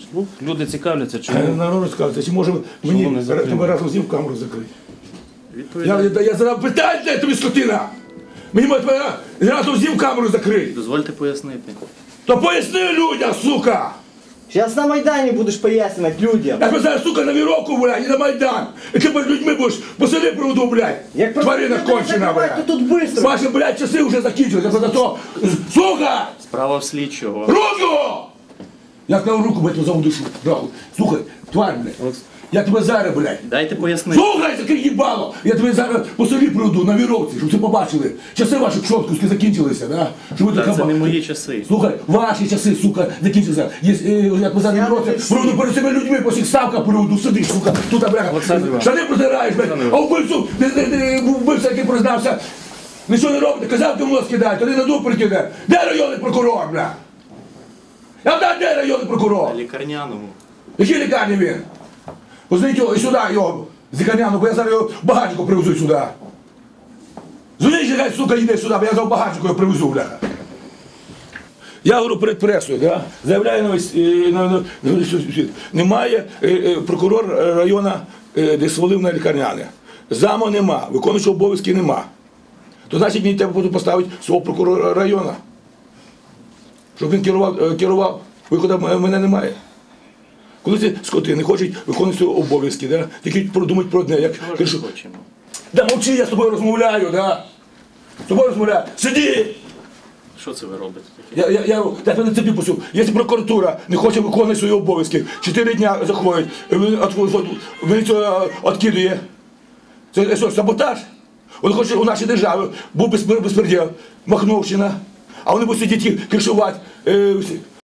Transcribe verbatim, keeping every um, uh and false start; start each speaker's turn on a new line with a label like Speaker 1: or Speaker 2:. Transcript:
Speaker 1: Ну, люди цікавляться,
Speaker 2: Е,
Speaker 1: чому.
Speaker 2: Народ цікавиться, чи може
Speaker 1: Чому не
Speaker 2: мені
Speaker 1: закрили?
Speaker 2: тебе разом з ним камеру закрити? Я,
Speaker 1: Відповідаю.
Speaker 2: я, я задав питання, де тобі скотина? Мені може тебе разом з ним камеру закрити.
Speaker 1: Дозвольте пояснити.
Speaker 2: То поясни людям, сука!
Speaker 3: Сейчас на Майдані будеш пояснювати людям.
Speaker 2: Я тебе зараз, сука, на віровку, блядь, і на Майдан. І ти перед людьми будеш по селі проводу, блядь.
Speaker 3: Як
Speaker 2: Тварина кончена,
Speaker 3: то
Speaker 2: блядь.
Speaker 3: тут быстро.
Speaker 2: Ваші, блядь, часи вже закінчилися. За то, сука!
Speaker 1: Справа в слідчого.
Speaker 2: Руку! Я сказав руку, блядь, за душу. Нахуй. Слухай, тварь, блядь. Я тебе зараз, блядь.
Speaker 1: Дайте пояснити.
Speaker 2: Слухай, таке їбало! Я тебе зараз по селі приведу на віровці, щоб це побачили. Часи ваші чоткуски закінчилися, да? Щоб ви
Speaker 1: Та
Speaker 2: така
Speaker 1: це не
Speaker 2: ба-
Speaker 1: мої часи.
Speaker 2: Слухай, ваші часи, сука, закінчилися. Є, е, я тебе зараз віровці, приведу перед цими людьми, по всіх ставках приведу, сидиш, сука, тут, бляха.
Speaker 1: Олександр Іванович.
Speaker 2: Штани протираєш, блядь, а вбивцю, не- не- не- вбивця, який признався, нічого не робите, казав, ти в нос кидай, тоді на дуб прикине. Де районний прокурор, бля? Я знаю, де районний прокурор?
Speaker 1: На лікарняному.
Speaker 2: Якій лікарні він? Позвоніть його і сюди його, з лікарняного, бо я зараз його в багатнику привезу сюди. Дзвоніть, хай, сука, йде сюди, бо я за багатнику його привезу, бляха. Я говорю перед пресою, да? Заявляю на весь, е, на, на, на весь світ. Немає е, е, прокурор району, е, де свалив на лікарняне. Заму нема, виконуючого обов'язки нема. То значить мені треба буде поставити свого прокурора району. Щоб він керував, е, керував. Виходу м- мене немає. Коли ці скоти не хочуть виконувати свої обов'язки, да? Тільки подумають про одне, як
Speaker 1: Чого ж
Speaker 2: кажу,
Speaker 1: ми хочемо?
Speaker 2: да мовчи, я з тобою розмовляю, да? З тобою розмовляю. Сиди!
Speaker 1: Що це ви робите таке?
Speaker 2: Я, я, я, я тебе на цепі пустив. Якщо прокуратура не хоче виконувати свої обов'язки, чотири дня заходить, міліцію відкидує. Це що, саботаж? Вони хочуть у нашій державі, був безпреділ, Махновщина, а вони будуть сидіти кришувати. Е,